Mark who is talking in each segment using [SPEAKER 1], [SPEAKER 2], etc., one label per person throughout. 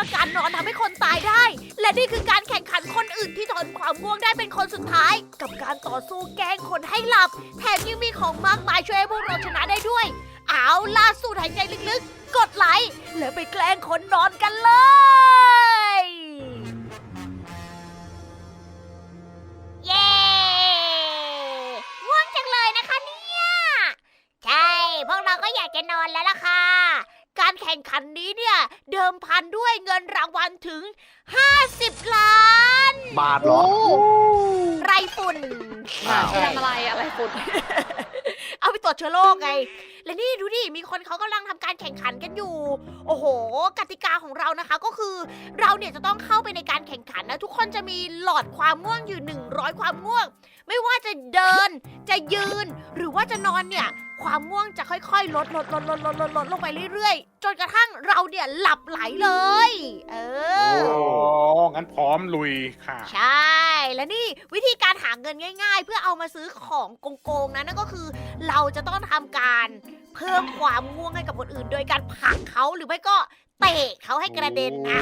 [SPEAKER 1] ว่าการนอนทำให้คนตายได้ และนี่คือการแข่งขันคนอื่นที่ทนความง่วงได้เป็นคนสุดท้าย กับการต่อสู้แกล้งคนให้หลับ แถมยังมีของมากมายช่วยให้พวกเราชนะได้ด้วย เอาล่าสูดหายใจลึกๆ กดไลค์แล้วไปแกล้งคนนอนกันเลย เย้ง่วงจังเลยนะคะเนี่ยใช่พวกเราก็อยากจะนอนแล้วล่ะค่ะ การแข่งขันนี้เนี่ยเดิมพันด้วยเงินรางวัลถึง 50 ล้าน
[SPEAKER 2] บาทเหรอ
[SPEAKER 1] ไรฝุ่น
[SPEAKER 3] ทำอะไรฝุ่น
[SPEAKER 1] เอาไปตรวจเชื้อโรคไง และนี่ดูดิ มีคนเขากำลังทำการแข่งขันกันอยู่ โอ้โห กติกาของเรานะคะก็คือ เราเนี่ยจะต้องเข้าไปในการแข่งขันนะ ทุกคนจะมีหลอดความง่วงอยู่100ความง่วง ไม่ว่าจะเดิน จะยืน หรือว่าจะนอนเนี่ย ความง่วงจะค่อยๆ ลดลงไปเรื่อยๆ จนกระทั่งเราเนี่ยหลับไหลเลย เออ
[SPEAKER 4] โอ้งั้นพร้อมลุยค่ะ
[SPEAKER 1] ใช่ และนี่วิธีการหาเงินง่าย ๆ เพื่อเอามาซื้อของโกงๆนะนั่นก็คือ เราจะต้องทำการเพิ่มความง่วงให้กับคนอื่น โดยการผลักเขาหรือไม่ก็เตะเขาให้กระเด็นนะ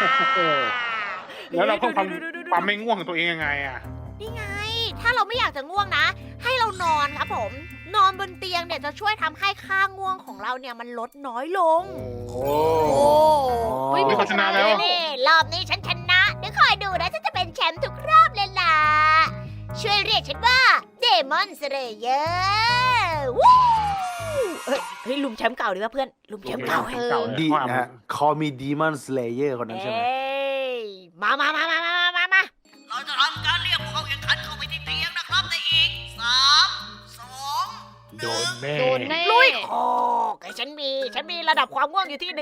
[SPEAKER 4] แล้วเราเพิ่มความไม่ง่วงของตัวเองยังไงอ่ะ
[SPEAKER 1] นี่ไง ถ้าเราไม่อยากจะง่วงนะ ให้เรานอนครับผม นอนบนเตียงเนี่ยจะช่วยทำให้ค่าง่วงของเราเนี่ยมันลดน้อยลง
[SPEAKER 4] โอ้
[SPEAKER 3] เฮ้ย
[SPEAKER 4] มีคนชนะแล้ว
[SPEAKER 1] นี่รอบนี้ฉันชนะเดี๋ยวคอยดูนะฉันจะเป็นแชมป์ทุกรอบเลยล่ะ ช่วยเรียกฉันว่าเดมอนสเลเยอร์วู้เฮ้ยลุมแชมป์เก่าดีกว่าเพื่อน ลุมแชมป์เก่า
[SPEAKER 4] เก่า
[SPEAKER 2] ดี
[SPEAKER 4] เนี่ย
[SPEAKER 2] นะฮะคอมีดีมอนสเลเยอร์คนนั้นใช่ไหม
[SPEAKER 1] เอ้ยมาเราจะทำการเรียกผู้เข้าแข่งขันเข้าไปที่เตียงนะครับในอีก3 2
[SPEAKER 4] โดนแน่
[SPEAKER 3] โดนแน่
[SPEAKER 1] ลุยโอ้ไอ้ฉันมีระดับความง่วงอยู่ที่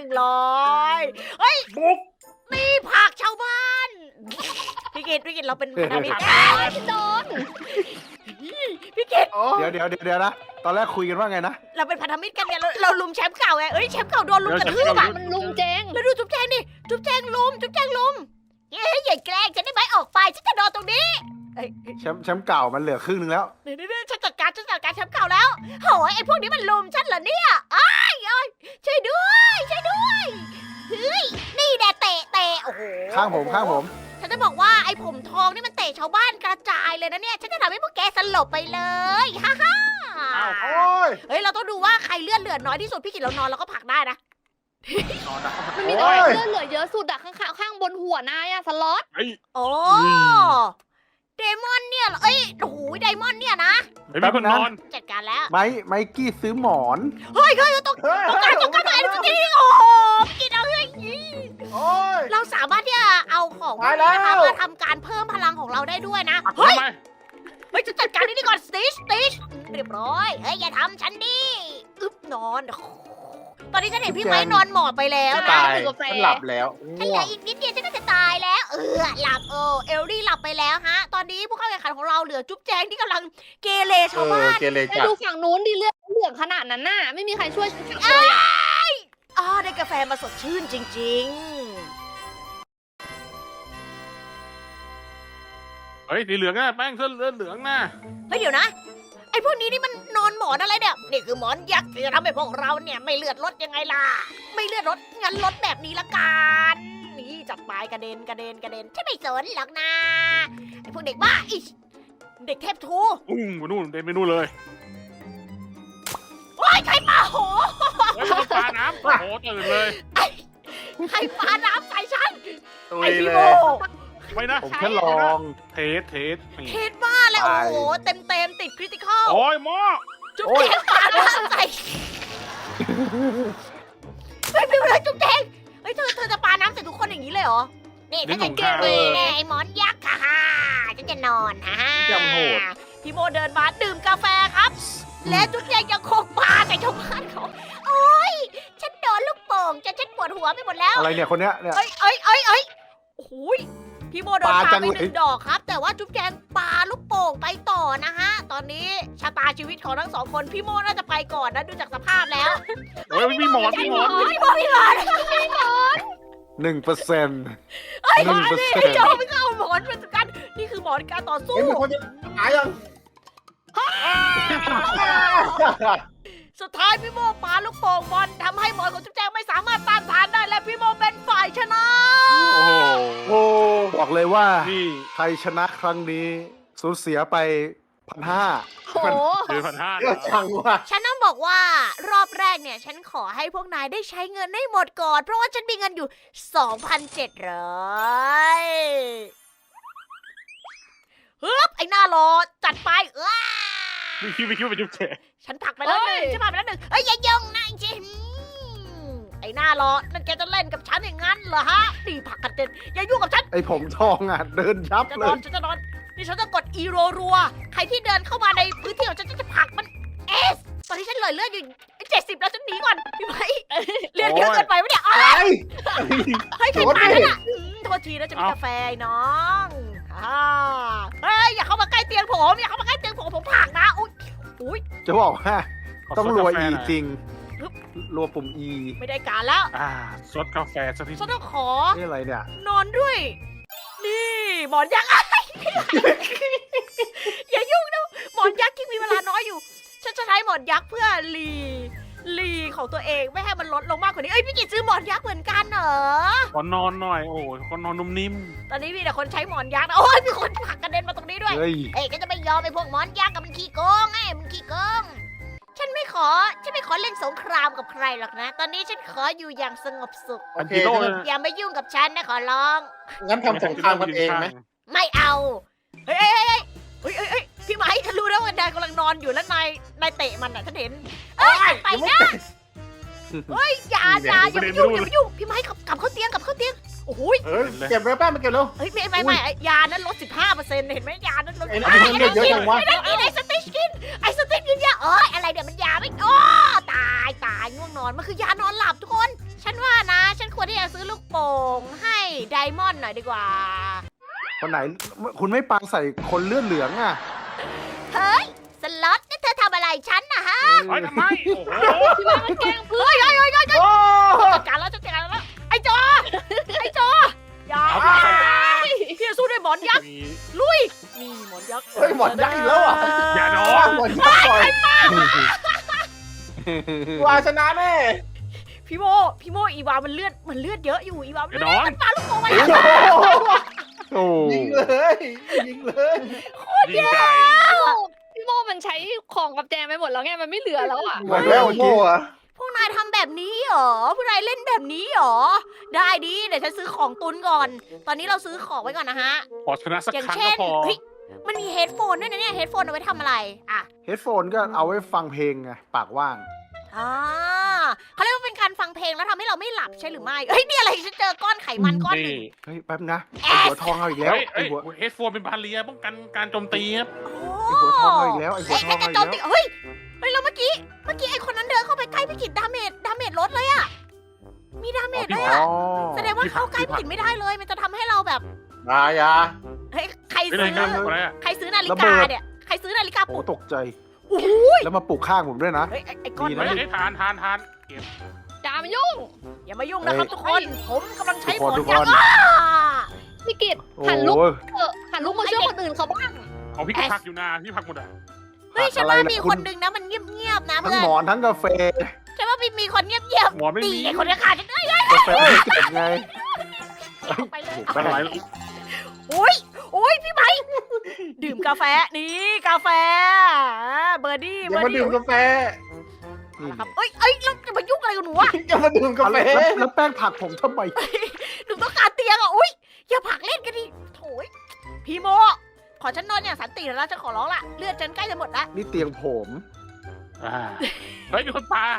[SPEAKER 1] 100เฮ้ย
[SPEAKER 4] บุ๊ก
[SPEAKER 1] มีผักชาวบ้าน พี่กิตเราเป็นพันธมิตร
[SPEAKER 3] โดน
[SPEAKER 1] พี่กิต
[SPEAKER 2] เดี๋ยวนะ ตอนแรกคุยกันว่าไงนะ
[SPEAKER 1] เราเป็นพันธมิตรกันเนี่ยเราลุมแชมป์เก่าไงเอ้ยแชมป์เก่าโดนลุมกระทืบอ่ะ
[SPEAKER 3] มันลุงเจง
[SPEAKER 1] แล้วดูจุ๊บแจงดิจุ๊บแจงลุมเฮ้ยอย่าแกล้งฉันได้ไหมออกไปฉันจะนอนตรงนี้เอ้ย
[SPEAKER 2] แชมป์เก่ามันเหลือครึ่งนึงแล้ว
[SPEAKER 1] เดี๋ยวฉันจัดการแชมป์เก่าแล้วโหยไอ้พวกนี้มันลุมฉันเหรอเนี่ยอ้ายช่วยด้วยเฮ้ยนี่แดเตะโอ้โห
[SPEAKER 2] ข้างผม
[SPEAKER 1] ฉันจะบอกว่าไอ้ผมทองนี่มันเตะชาวบ้านกระจายเลยนะเนี่ยฉันจะทำให้พวกแกสลบไปเลยฮ่า
[SPEAKER 2] โอ้ย
[SPEAKER 1] เฮ้ยเราต้องดูว่าใครเลือดเหลือน้อยที่สุดพี่กิตเรานอนเราก็ผลักได้นะ
[SPEAKER 4] นอนนะ
[SPEAKER 3] มันมีตัวเลือดเหลือเยอะสุดอะข้างบนหัวนายอะสล็อต
[SPEAKER 4] เฮ้ย
[SPEAKER 1] โอ้เดมอนเนี่ยเหรอเอ้ยโอ้โหไดมอนเนี่ยนะ
[SPEAKER 4] เฮ้ยมีคนนอน
[SPEAKER 1] จัดการแล้ว
[SPEAKER 2] ไมกี้ซื้อหมอน
[SPEAKER 1] เฮ้ยต้องการอะไรจริงโอ้โหกินเอาเฮ้ย
[SPEAKER 2] โอ้ย
[SPEAKER 1] เราสามารถที่จะเอาของพวก
[SPEAKER 2] ตายแล้
[SPEAKER 1] นี้
[SPEAKER 2] ว
[SPEAKER 1] นะคะมาทำการเพิ่มพลังของเราได้ด้วยนะ
[SPEAKER 4] ทำ
[SPEAKER 1] เฮ้ย
[SPEAKER 4] ไม
[SPEAKER 1] จะจัดการนี่ก่อนสติชเรียบร้อยเฮ้ยอย่าทำฉันดิอึ๊บนอน ตอนนี้ฉันเห็นพี่ไม้นอนหมอบไปแล้วนะ
[SPEAKER 2] ตายมันหลับแล้ว
[SPEAKER 1] ฉันเหลืออีกนิดเดียวฉันก็จะตายแล้ว หลับเอลลี่หลับไปแล้วฮะ ตอนนี้ผู้เข้าแข่งขันของเราเหลือจุ๊บแจงที่กำลังเกเรชาวบ้าน
[SPEAKER 2] เกเร
[SPEAKER 3] ไป
[SPEAKER 2] จัด
[SPEAKER 3] ดูฝั่งนู้นดิเลือดเหลืองขนาดนั้นน่ะไม่มีใครช่วยฉันเลยอะ
[SPEAKER 1] ได้กาแฟมาสดชื่นจริง
[SPEAKER 4] เฮ้ยสีเหลืองอ่ะแป้งเสื้อเหลืองน่ะ
[SPEAKER 1] ๆ เฮ้ยเดี๋ยวนะ ไอ้พวกนี้นี่มันนอนหมอนอะไรเนี่ย นี่คือหมอนยักษ์ที่จะทำให้พวกเราเนี่ยไม่เลือดลดยังไงล่ะ ไม่เลือดลดงั้นลดแบบนี้ละกัน นี่จัดไปกระเด็นฉันไม่สนหรอกนะไอ้พวกเด็กบ้าอีเด็กเทพทู
[SPEAKER 4] ไปนู่นเดินไปนู่นเลย
[SPEAKER 1] โอ้ยใครปาโห
[SPEAKER 4] เฮ้ยมันปลาน้ำโอ้โหตื่นเลย
[SPEAKER 1] ใครปาน้ำใส่ฉัน
[SPEAKER 2] ตุ
[SPEAKER 1] ไอ้
[SPEAKER 2] ย
[SPEAKER 1] พี่
[SPEAKER 2] เล
[SPEAKER 1] โม
[SPEAKER 2] ย
[SPEAKER 4] ไม่นะ
[SPEAKER 2] ผมแค่ลอง
[SPEAKER 4] เทสนี่
[SPEAKER 1] เคสบ้าเลยโอ้โหเต็มติดคริติคอล
[SPEAKER 4] โอ้ยหม้อ
[SPEAKER 1] จุ๊บแจงปาน้ำใส่เฮ้ยพี่เลยจุ๊บแจงเฮ้ยเธอจะปาน้ำใส่ทุกคนอย่างนี้เลยเหรอ นี่ถ้าจะเกเรเนี่ยไอ้หมอนยักษ์ค่ะฉันจะนอนฮ่า
[SPEAKER 2] จำโหด
[SPEAKER 1] พี่โมเดินมาดื่มกาแฟครับ และจุ๊บแจงยังคงปาใส่ชาวบ้านเขาโอ้ยฉันโดนลูกโป่งจนฉันปวดหัวไปหมดแล้ว
[SPEAKER 2] อะไรเนี่ยคนเนี้ยเนี่ย
[SPEAKER 1] เอ้ยโอ้โหยพี่โมโดน
[SPEAKER 2] ปา
[SPEAKER 1] ปา
[SPEAKER 2] จัง
[SPEAKER 1] ไป
[SPEAKER 2] เลย
[SPEAKER 1] 1 ดอกครับ แต่ว่าจุ๊บแจงปาลูกโป่งไปต่อนะฮะ ตอนนี้ชะตาชีวิตของทั้งสองคนพี่โมน่าจะไปก่อนนะดูจากสภาพแล้ว
[SPEAKER 4] เฮ้ยมีหมอน
[SPEAKER 1] พี่โมพี่ก่อน
[SPEAKER 2] 1%
[SPEAKER 1] เฮ้ย
[SPEAKER 2] 1%
[SPEAKER 1] พี่โจไม่เข้าหมอนเป็นกันนี่คือหมอนการต่อสู้
[SPEAKER 2] เอ้ยมีคนจะหายยัง
[SPEAKER 1] สุดท้ายพี่โมปาลูกโป่งบอลทำให้หมอนของจุ๊บแจงไม่สามารถต้านทานได้และพี่โมเป็นฝ่ายชนะ
[SPEAKER 2] บอกเลยว่า
[SPEAKER 4] นี่
[SPEAKER 2] ไทยชนะครั้งนี้สูญเสียไป 1,500
[SPEAKER 3] โอ้โห
[SPEAKER 4] คือ1,500
[SPEAKER 2] เยอะจังว่ะ
[SPEAKER 1] ฉันต้องบอกว่ารอบแรกเนี่ย ฉันขอให้พวกนายได้ใช้เงินให้หมดก่อน เพราะว่าฉันมีเงินอยู่ 2,700ฮึบไอ้หน้ารอจัดไป
[SPEAKER 4] ไม่คิดว่าเป็นจุ๊บแฉ
[SPEAKER 1] ฉันผลักไปแล้วหนึ่งฉันผลักไปแล้วหนึ่งเอ้ยอย่ายงนะจริงไอ้หน้ารอนั่นแกจะเล่นกับฉันอย่างนั้นเหรอฮะตีผลักกันเต็มอย่ายุ่งกับฉัน
[SPEAKER 2] ไอ้ผมทองอ่ะ เดินยับ
[SPEAKER 1] จะ
[SPEAKER 2] เล
[SPEAKER 1] นอย นฉันจะนอนนี่ฉันจะกดอีรัวใครที่เดินเข้ามาในพื้นที่ของฉันจะผลักมันเอสตอนนี้ฉันเหลือเลือดอยู่70แล้วฉันหนีก่อนพี่ไหมเลือดเยอะเกินไปไหมเนี่ย
[SPEAKER 2] อะไร
[SPEAKER 1] ให้ใครมาแล้วน่ะโทษทีนะจะมีกาแฟไอ้น้องเฮ้ยอย่าเข้ามาใกล้เตียงผมอย่าเข้ามาใกล้เตียงผมผลักนะอุ้ย
[SPEAKER 2] จะบอกว่าต้องรัว E จริง
[SPEAKER 1] ฮึบ
[SPEAKER 2] รัวปุ่ม E
[SPEAKER 1] ไม่ได้การแล้ว
[SPEAKER 4] ซดกาแฟสักที
[SPEAKER 1] ฉันต้องขอ
[SPEAKER 2] นี่อะไรเนี่ย
[SPEAKER 1] นอนด้วย นี่หมอนยักษ์ อย่ายุ่งนะหมอนยักษ์ที่มีเวลาน้อยอยู่ ฉันจะใช้หมอนยักษ์เพื่อรีของตัวเองไม่ให้มันลดลงมากกว่านี้เอ้ยพี่กิจซื้อหมอนยักษ์เหมือนกันเหรอ
[SPEAKER 4] ขอนอนหน่อยโอ้ยขอนอนนุ่มนิ่ม
[SPEAKER 1] ตอนนี้มีแต่คนใช้หมอนยักษ์นะโอ้ยมีคนผลักกระเด็นมาตรงนี้ด้วย
[SPEAKER 2] เฮ้ย
[SPEAKER 1] เอ้ยก็จะไม่ยอมไอ้พวกหมอนยักษ์กับมันขี้โกงไงมันขี้โกงฉันไม่ขอเล่นสงครามกับใครหรอกนะ ตอนนี้ฉันขออยู่อย่างสงบสุข
[SPEAKER 2] โอ
[SPEAKER 4] อัน
[SPEAKER 2] เค
[SPEAKER 4] กิโล
[SPEAKER 2] งั้น
[SPEAKER 4] เลย
[SPEAKER 1] อย่ามายุ่งกับฉันนะขอร้อง
[SPEAKER 2] งั้นทำสงครามกันเองไหม
[SPEAKER 1] ไม่เอา เฮ้ยพี่ไม้ฉันรู้แล้วว่านายกำลังนอนอยู่แล้วนายเตะมันอ่ะฉันเห็นเอ้ยไปนะเฮ้ยอย่ามายุ่งพี่ไม้กลับเข้าเตียงโอ้ย
[SPEAKER 2] เฮ้ยเก็บเลยป้ามาเก็บแล้ว
[SPEAKER 1] เฮ้ยไม่ยานั้นลด 15%เห็นไหมยานั้นลด
[SPEAKER 2] ไอ้นั่นเยอะจังวะ
[SPEAKER 1] ไอ้สติ๊กกินยาอะไรเดี๋ยวมันยาไม่ตายง่วงนอนมันคือยานอนหลับทุกคน ฉันว่านะ ฉันควรที่จะซื้อลูกโป่งให้ไดมอนด์หน่อยดีกว่า
[SPEAKER 2] คนไหนคุณไม่ปาใส่คนเลือดเหลืองอ่ะ
[SPEAKER 1] เฮ้ยสล็อตนี่เธอทำอะไรฉันนะฮะ
[SPEAKER 4] เฮ้ยทำไมโอ้โห
[SPEAKER 3] พี่ว่ามันแกล้งเพื่อน
[SPEAKER 2] โอ้
[SPEAKER 1] จัดการแล้วไอ้จออย่าพี่จะสู้ด้วยหมอนยักษ์
[SPEAKER 4] มี
[SPEAKER 1] ลุยนี่หมอนยักษ์
[SPEAKER 2] เฮ้ยหมดยักษ์อีกแล้วอ่ะ
[SPEAKER 4] อย่านอน
[SPEAKER 2] หมดยักษ์ก่อนวาชนะแน่
[SPEAKER 1] พี่โมอีวามันเลือดเยอะอยู่อีวา
[SPEAKER 4] อย่านอน
[SPEAKER 1] มันปาลูกโป่งมา
[SPEAKER 2] โอ้ยิงเลยยิงเลย
[SPEAKER 4] ยิงไก่
[SPEAKER 3] พี่โมมันใช้ของกับแจงไปหมดแล้วไงมันไม่เหลือแล้วอ่ะ
[SPEAKER 2] หมดแล้วโม่อะ
[SPEAKER 1] พวกนายทำแบบนี้เหรอพวกนายเล่นแบบนี้เหรอได้ดิเดี๋ยวฉันซื้อของตุนก่อน ตอนนี้เราซื้อของไว้ก่อนนะฮะ
[SPEAKER 4] ขอชนะสัก
[SPEAKER 1] อย่าง
[SPEAKER 4] ครั้ง
[SPEAKER 1] เช่
[SPEAKER 4] ก็
[SPEAKER 1] น
[SPEAKER 4] พอ
[SPEAKER 1] เฮ้ยมันมีเฮดโฟนด้วยนะเนี่ยเฮดโฟนเอาไว้ทำอะไรอ่ะ
[SPEAKER 2] เฮดโฟนก็เอาไว้ฟังเพลงไงปากว่าง
[SPEAKER 1] เขาเรียกว่าเป็นการฟังเพลงแล้วทำให้เราไม่หลับใช่หรือไม่เฮ้ยนี่อะไรฉันเจอก้อนไขมันก้อนหนึ่ง
[SPEAKER 2] เฮ้ยแป๊บนะไอหัวทองเอาอีกแล้ว
[SPEAKER 4] เฮ้ย
[SPEAKER 2] ไอหัว
[SPEAKER 4] เฮดโฟนเป็นบาเรียป้องกันการโจมตีครับ
[SPEAKER 2] ไอหัวทองเอาอีกแล้วไอหัว
[SPEAKER 1] เฮ้ย
[SPEAKER 2] ทอง
[SPEAKER 1] กระ
[SPEAKER 2] เอาอี
[SPEAKER 1] โจ
[SPEAKER 2] ก
[SPEAKER 1] มตี
[SPEAKER 2] แล้ว
[SPEAKER 1] เฮ้ยแล้วเมื่อกี้ไอ้คนนั้นเดินเข้าไปใกล้พี่กิจดาเมจลดเลยอะมีดาเมจด้วย
[SPEAKER 2] อ๋
[SPEAKER 1] อะ
[SPEAKER 2] อ
[SPEAKER 1] แสดงว่าเข้าใกล้พี่กิจไม่ได้เลย มันจะทำให้เราแบบ
[SPEAKER 2] ยา
[SPEAKER 1] เฮ้ยใคร
[SPEAKER 4] ไม่
[SPEAKER 1] ซื้
[SPEAKER 4] ได้
[SPEAKER 1] อ
[SPEAKER 4] กันอะไรอะ
[SPEAKER 1] ใครซื้อนาฬิ
[SPEAKER 2] ระ
[SPEAKER 1] กา
[SPEAKER 2] เบิด
[SPEAKER 1] เนี่ยใครซื้อนาฬิกา
[SPEAKER 2] โอ้
[SPEAKER 1] ปลุก
[SPEAKER 2] ตกใจ
[SPEAKER 1] โอ้โห
[SPEAKER 2] แล้วมาปลุกข้างผมด้วยนะ
[SPEAKER 1] เฮ้ยไอ้ก้อน
[SPEAKER 2] ดี
[SPEAKER 1] นั้
[SPEAKER 2] นะ
[SPEAKER 1] น
[SPEAKER 4] ไม่
[SPEAKER 1] อะ
[SPEAKER 4] ได้ทานเก็บ
[SPEAKER 3] อย่ามายุ่ง
[SPEAKER 1] อย่ามายุ่งนะครับทุกคน ผมกำลังใช้หมอน
[SPEAKER 2] ทุกคน
[SPEAKER 1] ยักษ์
[SPEAKER 3] พี่กิต
[SPEAKER 2] โอ้
[SPEAKER 3] หันลุก
[SPEAKER 2] โห
[SPEAKER 3] หันลุกมาช่วยคนอื่นเขาบ้าง
[SPEAKER 4] เอาพี่ก็พักอยู่นะพี่พักหมดอ่ะ
[SPEAKER 1] เฮ้ยฉัน
[SPEAKER 2] อะไร
[SPEAKER 1] ว่า
[SPEAKER 2] ล่ะ
[SPEAKER 1] มี
[SPEAKER 2] คุ
[SPEAKER 1] ค
[SPEAKER 2] ณ
[SPEAKER 1] นหนึ่งนะมันเงียบๆนะ
[SPEAKER 2] ทั้ง
[SPEAKER 1] เพื่อน
[SPEAKER 2] หมอนทั้งกาแฟ
[SPEAKER 1] ฉันว่ามีคนเงียบ
[SPEAKER 4] หมอนไม่
[SPEAKER 1] ๆตี
[SPEAKER 4] มี
[SPEAKER 1] ไอ้คนที่ขาดฉันเอ้ย
[SPEAKER 2] กาแฟไม่เก็บไง
[SPEAKER 1] เอาไปเลย
[SPEAKER 2] โอ้
[SPEAKER 1] เอา
[SPEAKER 2] โห
[SPEAKER 1] ไป
[SPEAKER 4] อะไร
[SPEAKER 1] โอ้ยพี่ไม้ดื่มกาแฟนี่กาแฟเบอร์ดี้
[SPEAKER 2] อย่ามาดื่มกาแฟ นี่
[SPEAKER 1] ครับเอ้ยแล้วจะมายุ่งอะไรกับหนูอะ
[SPEAKER 2] อย่ามาดื่มกาแฟแล้วแป้งผักผมทำไม
[SPEAKER 1] หนูต้องการเตียงอะอุ้ยอย่าผลักเล่นกันดิโถยพี่โมขอฉันนอนอย่างสันติแล้วฉันขอร้องละเลือดฉันใกล้จะหมดละ
[SPEAKER 2] นี่เตียงผม
[SPEAKER 4] เฮ้ยมีคนปา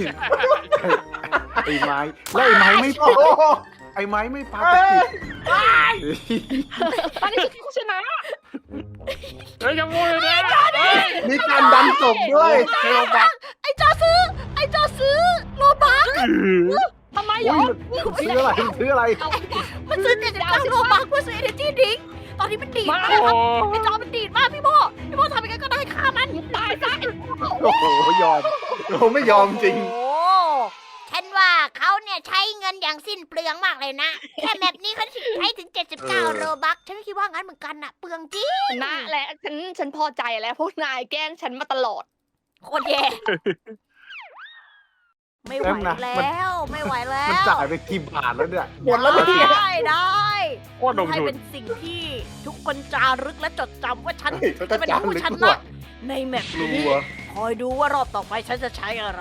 [SPEAKER 2] ไอ้ไม้แล้วไอ้ไม้ไม่ปาไอ้ไม้ไม่ปาตะกิด
[SPEAKER 3] ตอนนี้คือผู้ชนะ
[SPEAKER 4] เฮ้ยยังโวยเลยนะเฮ้ย
[SPEAKER 2] มีการดันศพด้วยเทลบัก
[SPEAKER 1] ไอ้จอซื้อโลบัก
[SPEAKER 3] ทำไมเหร
[SPEAKER 2] อุ้
[SPEAKER 3] อย
[SPEAKER 2] ซื้ออะไรซื้ออะไร
[SPEAKER 1] มันซื้อ79โลบักเพื่อซื้อ energy drink ตอนนี้มันดีดมาก
[SPEAKER 4] โอ้
[SPEAKER 1] ครับไอ้จอมันดีดมากพี่โมทำยังไงก็ได้ฆ่ามัน
[SPEAKER 3] ตายซะ
[SPEAKER 2] โอ้โหยอมโอ้ไม่ยอมจริง
[SPEAKER 1] โอ้ฉันว่าเขาเนี่ยใช้เงินอย่างสิ้นเปลืองมากเลยนะ แค่แบบนี้เขาใช้ถึง 79 โลบักฉันก็คิดว่างั้นเหมือนกันน่ะ เปลืองจริง
[SPEAKER 3] นะและฉันพอใจแล้วพวกนายแกล้งฉันมาตลอด
[SPEAKER 1] โคตรแย่ไม่ไหวแล้ว ไม่ไหวแล้
[SPEAKER 2] มัน
[SPEAKER 1] ว
[SPEAKER 2] จ่ายไปกี่บาทแล้วเนี่ย
[SPEAKER 5] หมดแล้วเนี่ย
[SPEAKER 1] ได้
[SPEAKER 4] โคตรลง
[SPEAKER 1] ให้
[SPEAKER 4] ทุน
[SPEAKER 1] เป็นสิ่งที่ทุกคนจารึกและจดจำว่าฉัน
[SPEAKER 5] เฮ้ยเขาจะ
[SPEAKER 1] จะเป็น
[SPEAKER 5] จา
[SPEAKER 1] ผู้
[SPEAKER 5] รึก
[SPEAKER 1] ช
[SPEAKER 5] ด้ว
[SPEAKER 1] นะ
[SPEAKER 5] ย
[SPEAKER 1] ในแมป
[SPEAKER 5] กลั
[SPEAKER 1] นี้
[SPEAKER 5] ว
[SPEAKER 1] คอยดูว่ารอบต่อไปฉันจะใช้อะไร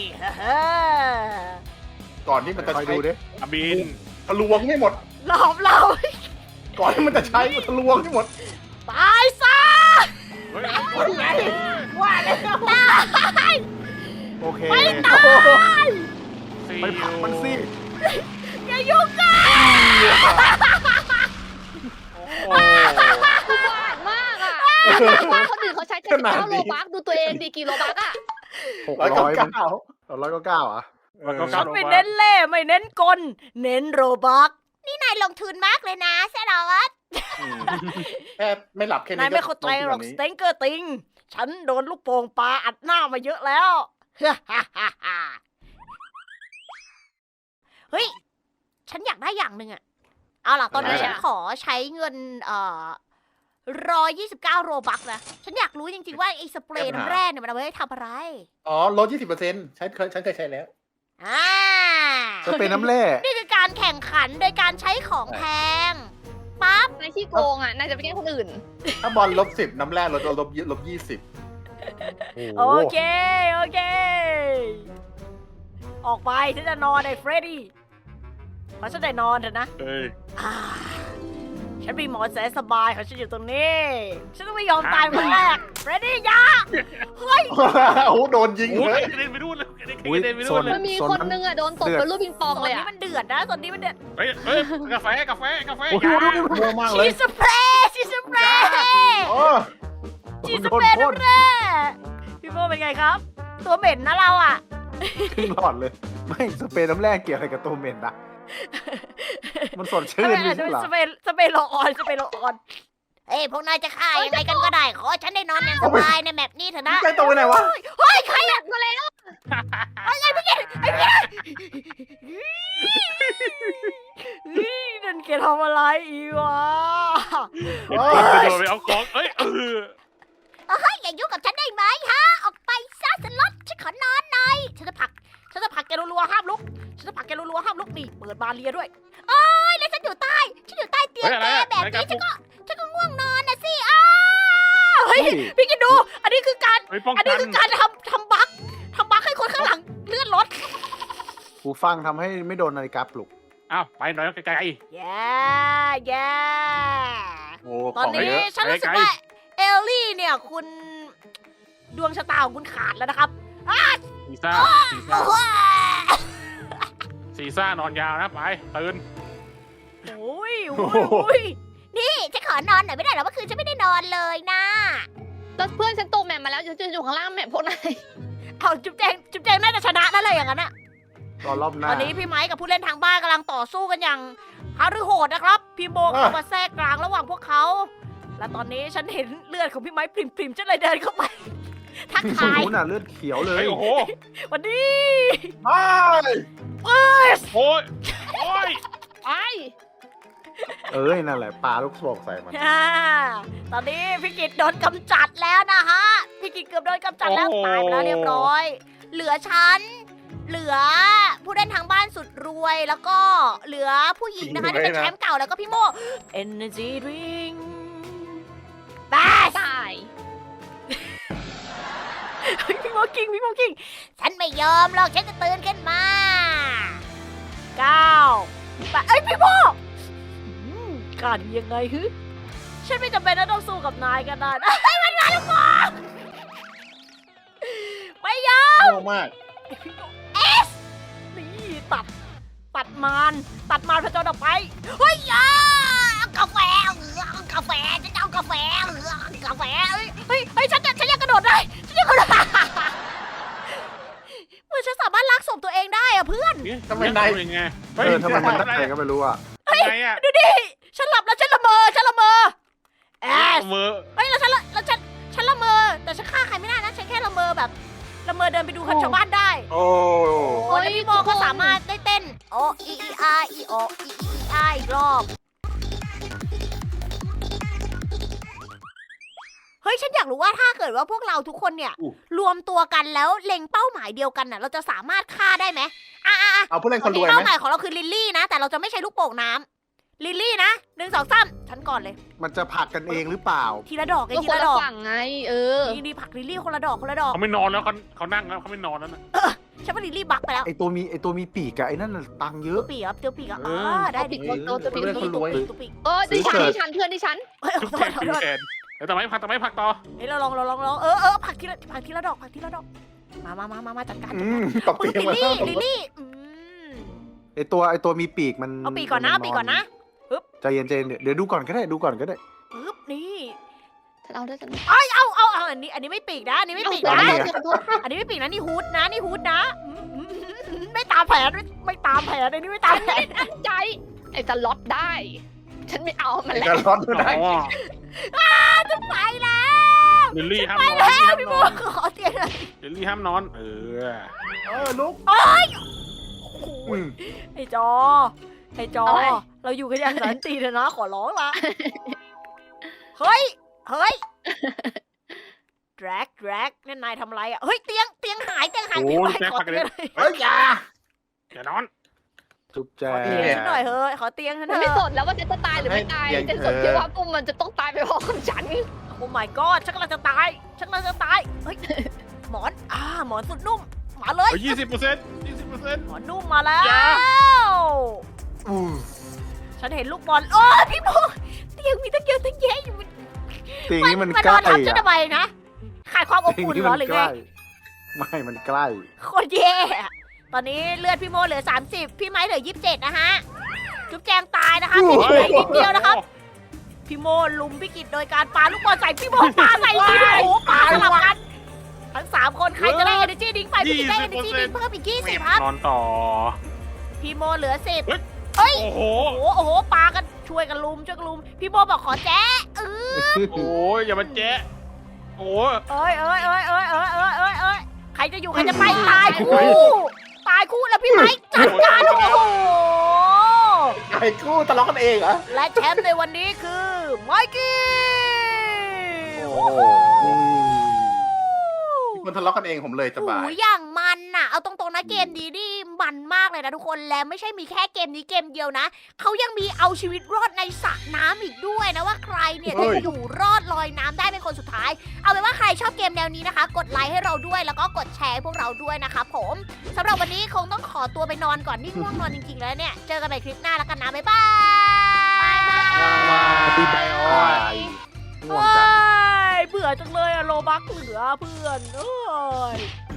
[SPEAKER 5] ก่อนที่มันจะ
[SPEAKER 2] คอย
[SPEAKER 5] ใช้
[SPEAKER 2] ดูดิ
[SPEAKER 4] อาบิน
[SPEAKER 5] ทะลวงให้หมด
[SPEAKER 1] หลอมเรา
[SPEAKER 5] ก่อนที่มันจะใช้มันทะลวงให้หมด
[SPEAKER 1] ตายซะ
[SPEAKER 4] เฮ้ย
[SPEAKER 5] ว่าแล้ว
[SPEAKER 1] ตาย
[SPEAKER 2] โอเค
[SPEAKER 1] ไม่ตาย
[SPEAKER 4] ซี
[SPEAKER 2] ไปผลักมันสิ
[SPEAKER 1] อย่ายุ่งกัน
[SPEAKER 4] โอ้
[SPEAKER 3] อุบาทมากอ่ะคนอื่นเขาใช้79โลบักดูตัวเองดีกี่โลบักอ่ะ
[SPEAKER 2] 600 199อ่ะ
[SPEAKER 4] มันก็
[SPEAKER 1] ฉั
[SPEAKER 4] ก้าน ว
[SPEAKER 1] ไม่เน้นเล่ห์ไม่เน้นกล เน้นโรบัก นี่นายลงทุนมากเลยนะแซดาวัต
[SPEAKER 5] แค่ไม่หลับแค่นี้
[SPEAKER 1] นายไม่เข้าใจหรอกสเต็งเกอร์ติง ฉันโดนลูกโป่งปลาอัดหน้ามาเยอะแล้ว เฮ้ย ฉันอยากได้อย่างหนึ่งอะเอาล่ะ ตอนนี้ฉันขอใช้เงิน129โรบักนะ ฉันอยากรู้จริงๆว่าไอ้สเปรย์น้ำแร่เนี่ยมันเอาไว้ทำอะไร
[SPEAKER 5] อ๋อลด 20%ฉันเคยใช้แล้ว
[SPEAKER 1] อ่า
[SPEAKER 2] จะเป็นน้ำแร่
[SPEAKER 1] นี่คือการแข่งขันโดยการใช้ของแพง ปั๊บ
[SPEAKER 3] นายขี้โกงอ่ะ นายจะไปแกล้งคนอื่น
[SPEAKER 5] ถ้าบอล10น้ำแร่ลบ 20
[SPEAKER 1] โอเค โอเค ออกไปฉันจะนอนไอ้เฟรดดี้ขอฉันได้นอนเถอะนะ
[SPEAKER 4] เฮ้ย
[SPEAKER 1] อ่าฉันมีหมอนแสนสบายของฉันอยู่ตรงนี้ ฉันต้องไม่ยอมตายคนแรกเฟรดดี้อยาเฮ้ย
[SPEAKER 5] โอ้โหโดนยิง
[SPEAKER 4] โอ้
[SPEAKER 5] เลย ย
[SPEAKER 4] กระเด็นไปนู่นเลยกระ
[SPEAKER 2] อุ๊ย
[SPEAKER 4] เด็นไป
[SPEAKER 2] โซ
[SPEAKER 4] นู่น
[SPEAKER 2] น
[SPEAKER 4] เลย
[SPEAKER 3] มันมีคนนึงอ่ะโดนตบเป็นลูกปิงปอง
[SPEAKER 1] ตอน
[SPEAKER 3] เลย
[SPEAKER 1] นี้
[SPEAKER 3] อ่ะ
[SPEAKER 1] มันเดือดนะตอนนี้มันเดือด
[SPEAKER 4] เฮ้ยกาแฟอย่า
[SPEAKER 5] มัวมากเล
[SPEAKER 1] ชี
[SPEAKER 5] ย
[SPEAKER 1] สเปรย์ชีสเปรย์
[SPEAKER 5] โอ้
[SPEAKER 1] ชีสเปรย์น้ำแร่พี่โมเป็นไงครับ ตัวเหม็นนะเราอ่ะ
[SPEAKER 2] ครึ่งหลอดเลย ไม่สเปรย์น้ำแร่เกี่ยวอะไรกับตัวเหม็นนะมันสดชื่นไม่ใช่เหรอ
[SPEAKER 1] สเปรย์โลออนสเปรย์โลออนเอ้ยพวกนายจะฆ่ายังไงกันก็ได้ ขอฉันได้นอนอย่างสบายในแมปนี้เถอะนะ
[SPEAKER 5] ใจตรงไปไหนวะ
[SPEAKER 1] เฮ้ยใครอะ
[SPEAKER 3] มาแล้ว
[SPEAKER 1] นั่นแกทำอะไรอีกวะ
[SPEAKER 4] ไปโดนไปเอาของเอ้ย
[SPEAKER 1] เฮ้ยอย่ายุ่งกับฉันได้ไหมฮะ ออกไปซะสล็อตฉันขอนอนหน่อยฉันจะผลักแกรัวๆห้ามลุกฉันจะผลักแกรัวๆห้ามลุกนี่เปิดบานเรียด้วยเอ้ยแล้วฉันอยู่ใต้เตียงแกแบบนี้ฉันก็ง่วงนอนนะสิอ้าวเฮ้ยพี่กินดู อันนี้คือการ
[SPEAKER 4] ไปป้อง
[SPEAKER 1] อัน
[SPEAKER 4] กั
[SPEAKER 1] นี้
[SPEAKER 4] น
[SPEAKER 1] คือการทำบั๊กให้คนข้างหลังเลื่อนรถ
[SPEAKER 2] หูฟังทำให้ไม่โดนนาฬิกาปลุก
[SPEAKER 4] อ้าวไปหน่อยไกล
[SPEAKER 1] แย่
[SPEAKER 5] โอ้
[SPEAKER 1] ตอน
[SPEAKER 5] ของ
[SPEAKER 1] นี้
[SPEAKER 5] เยอะ
[SPEAKER 1] ฉันรู้สึกว่าเอลลี่เนี่ยคุณดวงชะตาของคุณขาดแล้วนะครับ
[SPEAKER 4] ๆซีซ่านอนยาวนะไปตื่น
[SPEAKER 1] โอ้ยนี่ฉันขอนอนหน่อยไม่ได้เหรอเมื่อคืนฉันไม่ได้นอนเลยนะ
[SPEAKER 3] แล้วเพื่อนฉันตกแมปมาแล้วจะอยู่ข้างล่างแมปพวกนาย
[SPEAKER 1] เอาจุ๊บแจงน่าจะชนะนั่นเลยอย่างนั้นอะ
[SPEAKER 2] รอรอบหน้า
[SPEAKER 1] ตอนนี้พี่ไม้กับผู้เล่นทางบ้านกำลังต่อสู้กันอย่างฮารือโหดนะครับ พี่โบเข้ามาแทรกกลางระหว่างพวกเขา และตอนนี้ฉันเห็นเลือดของพี่ไม้ปริ่มๆฉันเลยเดินเข้าไป ทัก
[SPEAKER 2] ตรง
[SPEAKER 1] ทาย
[SPEAKER 2] นู้นน่ะเลือดเขียวเลย
[SPEAKER 4] เฮ้ยโอ้โห
[SPEAKER 1] วันนี้
[SPEAKER 5] ไม่
[SPEAKER 4] โอ้ยโอ้ย
[SPEAKER 3] ไอ้
[SPEAKER 2] เอ้ยนั่นแหละปลาลูกโป่งใส่มัน
[SPEAKER 1] ตอนนี้พี่กิตโดนกำจัดแล้วนะฮะ พี่กิตเกือบโดนกำจัดแล้วตายไปแล้วเรียบร้อย เหลือฉัน เหลือผู้เล่นทางบ้านสุดรวย แล้วก็เหลือผู้หญิงนะคะที่เป็นแชมป์เก่าแล้วก็พี่โม Energy Drink บาส
[SPEAKER 3] ตาย
[SPEAKER 1] พี่โมกิ้งฉันไม่ยอมหรอกฉันจะตื่นขึ้นมา9เอ้ยพี่โมกล้าดียังไงฮึฉันไม่จำเป็นต้องสู้กับนายกันนะเฮ้ยมันมาลูกโมไม่ยอม
[SPEAKER 5] โง่มาก
[SPEAKER 1] นี่ตัดมารพระเจ้าออกไปเฮ้ยกาแฟฉันจะเอากาแฟเฮ้ยฉันยังกระโดดได้เหมือนฉันสามารถลากศพตัวเองได้อะเพื่อน
[SPEAKER 5] ทำไมนาย
[SPEAKER 4] ยังไง
[SPEAKER 2] ทำไมมันได้ก็ไม่รู้อ่ะ
[SPEAKER 4] ไงอ่ะ
[SPEAKER 1] ดูดิฉันหลับแล้วฉันละเมอแอส
[SPEAKER 4] มือ
[SPEAKER 1] เฮ้ยแล้วฉันละเมอแต่ฉันฆ่าใครไม่ได้นะฉันแค่ละเมอแบบละเมอเดินไปดูคนชาวบ้านได้
[SPEAKER 5] โอ้
[SPEAKER 1] โอ้ยแล้วพี่โมก็สามารถได้เต้นโออีอาอีโออีอาอีกรอบ เฮ้ยฉันอยากรู้ว่าถ้าเกิดว่าพวกเราทุกคนเนี่ย รวมตัวกันแล้วเล็งเป้าหมายเดียวกันน่ะ เราจะสามารถฆ่าได้ไหม
[SPEAKER 5] เอาผู้เล่นคนรวยไห
[SPEAKER 1] เป้าม หมายของเราคือลิลลี่นะ แต่เราจะไม่ใช้ลูกโป่งน้ำลิลลี่นะ1 2 3ฉันก่อนเลย
[SPEAKER 2] มันจะผลักกันเองหรือเปล่า
[SPEAKER 1] ทีละดอกไง
[SPEAKER 3] ก็
[SPEAKER 1] ที
[SPEAKER 3] คน
[SPEAKER 1] ละ
[SPEAKER 3] ละ
[SPEAKER 1] ดอก
[SPEAKER 3] ฝั่งไง
[SPEAKER 1] นี่ผักลิลลี่คนละดอกคนละดอก
[SPEAKER 4] เขาไม่นอนแล้วเขานั่งแล้วเขาไม่นอนแล้วนะ
[SPEAKER 1] ฉันว่าลิลลี่บักไปแล้ว
[SPEAKER 2] ไอตัวมีปีกอะไอ้นั่นน่ะตังค์เยอะ
[SPEAKER 1] ตัวปีกครับตัวปีกอ่ะ
[SPEAKER 4] เออ
[SPEAKER 1] ได้ดิ
[SPEAKER 3] ตัวปีก
[SPEAKER 5] ผู้เล่นคนรวย
[SPEAKER 1] ตัวปีก
[SPEAKER 3] ดิฉันเพื่อนดิฉัน
[SPEAKER 1] เฮ้ย
[SPEAKER 4] ทุก
[SPEAKER 1] ขอ
[SPEAKER 4] แขน
[SPEAKER 1] โทษ
[SPEAKER 4] ทุ
[SPEAKER 1] ข
[SPEAKER 4] ก
[SPEAKER 1] อโทษ
[SPEAKER 4] แขนแล้วทำไมผักต่อ
[SPEAKER 1] เฮ้ยเราลองผักทีละดอกมาจัดการ
[SPEAKER 5] ตบ
[SPEAKER 1] ปื
[SPEAKER 5] ตี
[SPEAKER 1] น
[SPEAKER 5] มา
[SPEAKER 1] ลิลลี่
[SPEAKER 2] ไอตัวมีปีกมัน
[SPEAKER 1] เอาปีกก่อนนะเอาปีกก่อนนะ
[SPEAKER 2] ใจเย็นเดี๋ยวดูก่อนก็ได้ดูก่อนก็ได้
[SPEAKER 1] ปึ๊บนี่
[SPEAKER 3] ฉันเอาด้วยฉัน
[SPEAKER 1] เอาอันนี้ไม่ปีกนะอันนี้ไม่ปีก
[SPEAKER 3] เอา
[SPEAKER 1] นะ
[SPEAKER 3] ขอโทษ
[SPEAKER 1] อันนี้ไม่ปีกนะนี่ฮูดนะไม่ตามแผนไม่ตามแผนอันนี้ไม่ตามแผน
[SPEAKER 3] ตั้งใจไอ้จะล็อตได้ ฉันไม่เอามัน
[SPEAKER 5] ไอ้
[SPEAKER 3] แล้
[SPEAKER 5] กาว รร้อนได้
[SPEAKER 4] อ๋อ
[SPEAKER 1] ไปแล้ว
[SPEAKER 4] ลิลลี่ห้าม
[SPEAKER 1] ไป
[SPEAKER 4] นอน
[SPEAKER 1] แล้วพี่โมขอเตียงหน่อย
[SPEAKER 4] ลิลลี่ห้ามนอน
[SPEAKER 5] ลุก
[SPEAKER 1] ไอ้จอเราอยู่กันอย่างสันตินะขอร้องละเฮ้ยแดรกนั่นนายทำอะไรอ่ะเฮ้ยเตียงหาย
[SPEAKER 4] โอ้
[SPEAKER 1] พี่
[SPEAKER 4] ย
[SPEAKER 1] ไม้
[SPEAKER 4] แจ็ค
[SPEAKER 1] ขอ
[SPEAKER 4] ผักกัน
[SPEAKER 1] เตี
[SPEAKER 4] เลย
[SPEAKER 1] งหน่อย
[SPEAKER 5] เฮ้ยอย่า
[SPEAKER 4] อย่านอน
[SPEAKER 2] จุ๊บแจ
[SPEAKER 1] ขอเตียงฉันหน่อยเฮ้ยขอเตียงฉัน
[SPEAKER 3] มัน
[SPEAKER 1] เถ
[SPEAKER 3] ไม่ส
[SPEAKER 1] อะ
[SPEAKER 3] นแล้วว่าฉันจะตายหรือไม่ตายฉันสนแค่ว่าปุ่มมันจะต้องตายไปพร้อมกับฉัน
[SPEAKER 1] โอ้ my god ฉันกำลังจะตายเฮ้ยหมอนสุดนุ่มมาเลย
[SPEAKER 4] 20%
[SPEAKER 1] หมอนนุ่มมาแล้ว
[SPEAKER 4] อย่า
[SPEAKER 1] ฉันเห็นลูกบอลโอ้ยพี่โมเตียงมีตั้งเยอะตั้งแยะอยู่
[SPEAKER 2] ตีนี้มัน
[SPEAKER 1] มัน
[SPEAKER 2] ใก
[SPEAKER 1] น
[SPEAKER 2] ล้
[SPEAKER 1] อนทับฉันทำไมนะขาดความอบ
[SPEAKER 2] ตี
[SPEAKER 1] อุ่น
[SPEAKER 2] นี้
[SPEAKER 1] เหร
[SPEAKER 2] มั
[SPEAKER 1] อหรือ
[SPEAKER 2] ใก
[SPEAKER 1] ไง
[SPEAKER 2] ล้ไม่มันใกล้
[SPEAKER 1] โคตรแย่อะตอนนี้เลือดพี่โมเหลือ30พี่ไม้เหลือ27นะฮะจุ๊บแจงตายนะคะพี่เหลืออีกนิดเดียวนะครับพี่โมลุมพี่กิจโดยการปาลูกบอลใส่พี่โมปาใส่พี่โอ้ปาสลับกันทั้ง3คนใครจะได้ energy drink ไปพี่กิจได้ energy drink เพิ่มอีก20ครับ
[SPEAKER 4] นอนต่อ
[SPEAKER 1] พี่โมเหลือ10
[SPEAKER 4] โอ้โห
[SPEAKER 1] โอ้โหปากันช่วยกันลุมพี่โมบอกขอแจ๊ะ
[SPEAKER 4] โอ้ยอย่ามาแจ๊ะโอ้ย
[SPEAKER 1] เอ้ยใครจะอยู่ใครจะไปตายคู่แล้วพี่ไม้จัดการโอ้โห
[SPEAKER 5] ไอ้กู้ทะเลาะกันเองเหรอ
[SPEAKER 1] และแชมป์ในวันนี้คือไมกี้
[SPEAKER 5] โอ้โหคนทะเลาะกันเองผมเลยสบาย
[SPEAKER 1] โอ้ยอย่างมันน่ะเอาตรงๆนะเกมนี้นี่มันมากเลยนะทุกคนและไม่ใช่มีแค่เกมนี้เกมเดียวนะเขายังมีเอาชีวิตรอดในสระน้ำอีกด้วยนะว่าใครเนี่ยจะอยู่รอดลอยน้ำได้เป็นคนสุดท้าย เอาเป็นว่าใครชอบเกมแนวนี้นะคะ กดไลค์ให้เราด้วยแล้วก็กดแชร์ให้พวกเราด้วยนะคะผมสำหรับวันนี้คงต้องขอตัวไปนอนก่อนนี่ง่วงนอนจริงๆแล้วเนี่ยเจอกันใหม่คลิปหน้าแล้วกันนะบ๊ายบาย
[SPEAKER 2] ตีแบง่วงจัง
[SPEAKER 1] เบื่อจังเลยอะโลบักเหลือเพื่อนเอ้ย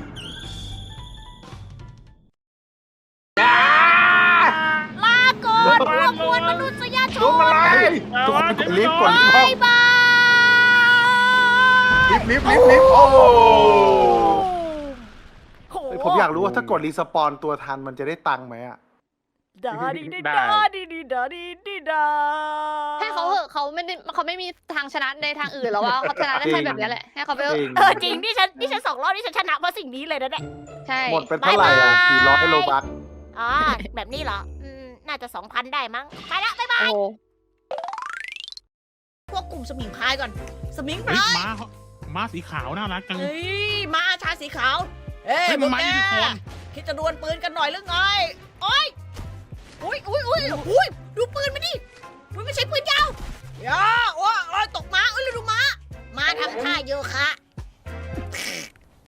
[SPEAKER 1] ลาก่อนพวกมวลมนุษยช
[SPEAKER 5] ลุก
[SPEAKER 1] น
[SPEAKER 5] อะไร
[SPEAKER 2] ทุกคนกดลิฟต์กดลิฟต์ห้อง
[SPEAKER 1] บ๊ายบาย
[SPEAKER 5] ลิฟต์โอ้โห
[SPEAKER 1] โห
[SPEAKER 2] ผมอยากรู้ว่าถ้ากดรีสปอนตัวทันมันจะได้ตังค์ไหมอะ
[SPEAKER 1] ดาดีดี
[SPEAKER 4] ได้
[SPEAKER 1] ดาดีดีดาดีดีดา
[SPEAKER 3] ให้เขาเหอะเขาไม่มีทางชนะในทางอื่นแล้วว่าเขาชนะได้แค่แบบนี้แหละให้เขาไปเถ
[SPEAKER 2] จริ
[SPEAKER 3] อะ
[SPEAKER 2] ง
[SPEAKER 1] จริงนี่ฉัน2 รอบนี่ฉันชนะเพราะสิ่งนี้เลยนะเนี่ย
[SPEAKER 3] ใช่
[SPEAKER 2] หมดเป็นเท่าไหร่อ่ะ400โลบัค
[SPEAKER 1] อ๋อแบบนี้เหรอน่าจะ 2,000 ได้มั้งไปละบ๊ายบาย
[SPEAKER 3] โอ้
[SPEAKER 1] พวกกลุ่มสมิงพรายก่อนสมิงพ
[SPEAKER 4] เฮ้ย
[SPEAKER 1] ราย
[SPEAKER 4] ม้าสีขาวน่ารักจัง
[SPEAKER 1] เฮ้ยมาชายสีขาวเฮ้ย
[SPEAKER 4] เฮ้ย
[SPEAKER 1] พวก
[SPEAKER 4] มัน
[SPEAKER 1] แก
[SPEAKER 4] มายูนิคอร์น
[SPEAKER 1] คิดจะดวลปืนกันหน่อยหรือไงโอ้ยอุ้ยดูปืนมาดิมันไม่ใช่ปืนยาวอย่าโอ้ยตกม้าเอ้ยดูม้าทำท่าโยคะ